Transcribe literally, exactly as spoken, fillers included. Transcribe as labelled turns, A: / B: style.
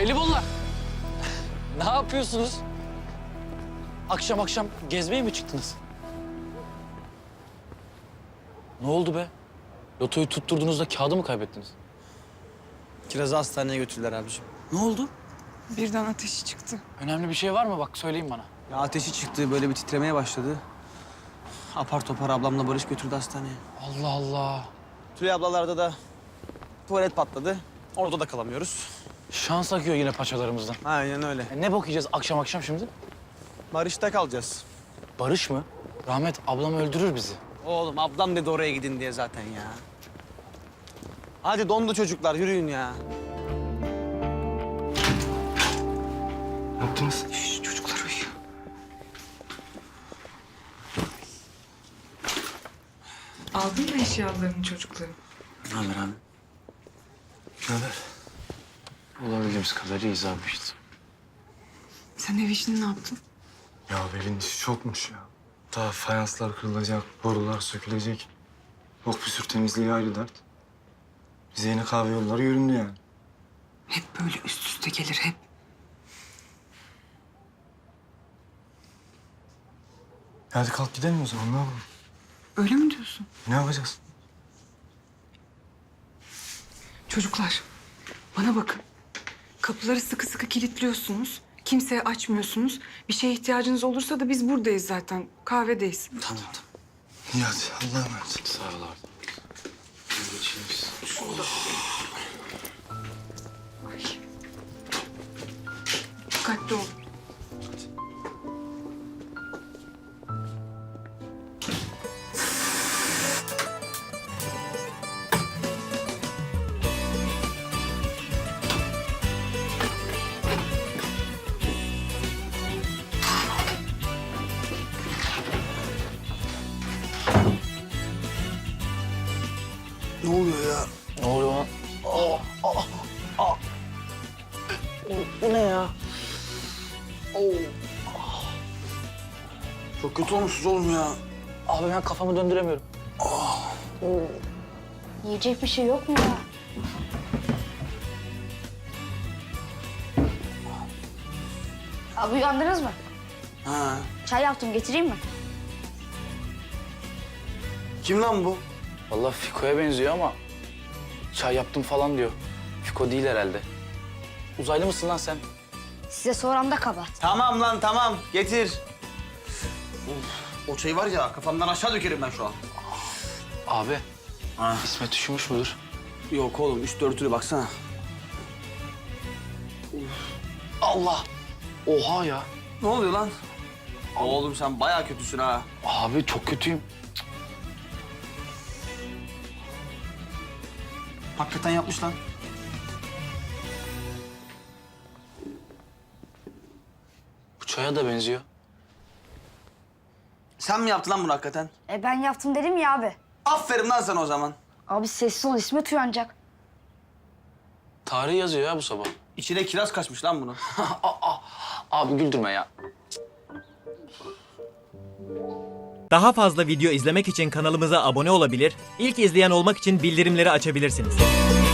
A: Pelibonlar. Ne yapıyorsunuz? Akşam akşam gezmeye mi çıktınız? Ne oldu be? Lotoyu tutturduğunuzda kağıdı mı kaybettiniz?
B: Kiraz'ı hastaneye götürdüler abiciğim. Ne oldu?
C: Birden ateşi çıktı.
A: Önemli bir şey var mı? Bak söyleyin bana.
B: Ya ateşi çıktı, böyle bir titremeye başladı. Apar topar ablamla Barış götürdü hastaneye.
A: Allah Allah.
B: Tülay ablalarda da tuvalet patladı. Orada da kalamıyoruz.
A: Şans akıyor yine paçalarımızdan.
B: Aynen öyle.
A: E ne bok yiyeceğiz akşam akşam şimdi?
B: Barış'ta kalacağız.
A: Barış mı? Rahmet ablam öldürür bizi.
B: Oğlum ablam dedi oraya gidin diye zaten ya. Hadi dondu çocuklar, yürüyün ya.
D: Ne yaptınız?
C: Şş, çocuklar uyuyor. Aldın mı eşyalarını çocukların?
B: Ne haber abi?
D: Ne haber? Olabildiğimiz kadar iyiyiz abi işte.
C: Sen ev işini ne yaptın?
D: Ya evin işi çokmuş ya. Daha fayanslar kırılacak, borular sökülecek. Yok bir sürü temizliği ayrı dert. Bize yine kahve yolları göründü yani.
C: Hep böyle üst üste gelir hep.
D: Hadi kalk gidelim o zaman, ne yapalım?
C: Öyle mi diyorsun?
D: Ne yapacağız?
C: Çocuklar bana bakın. Kapıları sıkı sıkı kilitliyorsunuz. Kimseye açmıyorsunuz. Bir şeye ihtiyacınız olursa da biz buradayız zaten. Kahvedeyiz.
B: Tamam tamam.
D: İyi hadi, Allah'a emanet. Sağ ol abi. Hadi geçelim biz.
C: Ay. Dikkatli ol.
B: Ne oluyor ya?
A: Ne oluyor lan?
B: Bu ne ya? Çok kötü olmuşsunuz oğlum ya.
A: Abi ben kafamı döndüremiyorum.
E: Yiyecek bir şey yok mu ya? Abi uyandınız mı?
B: Ha.
E: Çay yaptım, getireyim mi?
B: Kim lan bu?
A: Vallahi Fiko'ya benziyor ama çay yaptım falan diyor. Fiko değil herhalde. Uzaylı mısın lan sen?
E: Size soran da kabahat.
B: Tamam lan tamam, getir. Of, o çayı var ya kafamdan aşağı dökerim ben şu an.
A: Abi
B: Ha.
A: İsmet üşümüş müdür?
B: Yok oğlum, üstü örtülü baksana.
A: Allah! Oha ya!
B: Ne oluyor lan? Oğlum sen bayağı kötüsün ha.
A: Abi çok kötüyüm.
B: Hakikaten yapmış lan.
A: Bu çaya da benziyor.
B: Sen mi yaptın lan bunu hakikaten?
E: E ben yaptım dedim ya abi.
B: Aferin lan sana o zaman.
E: Abi sessiz ol, İsmet uyanacak.
A: Tarih yazıyor ya bu sabah.
B: İçine kiraz kaçmış lan bunun.
A: Abi güldürme ya.
F: Daha fazla video izlemek için kanalımıza abone olabilir, ilk izleyen olmak için bildirimleri açabilirsiniz.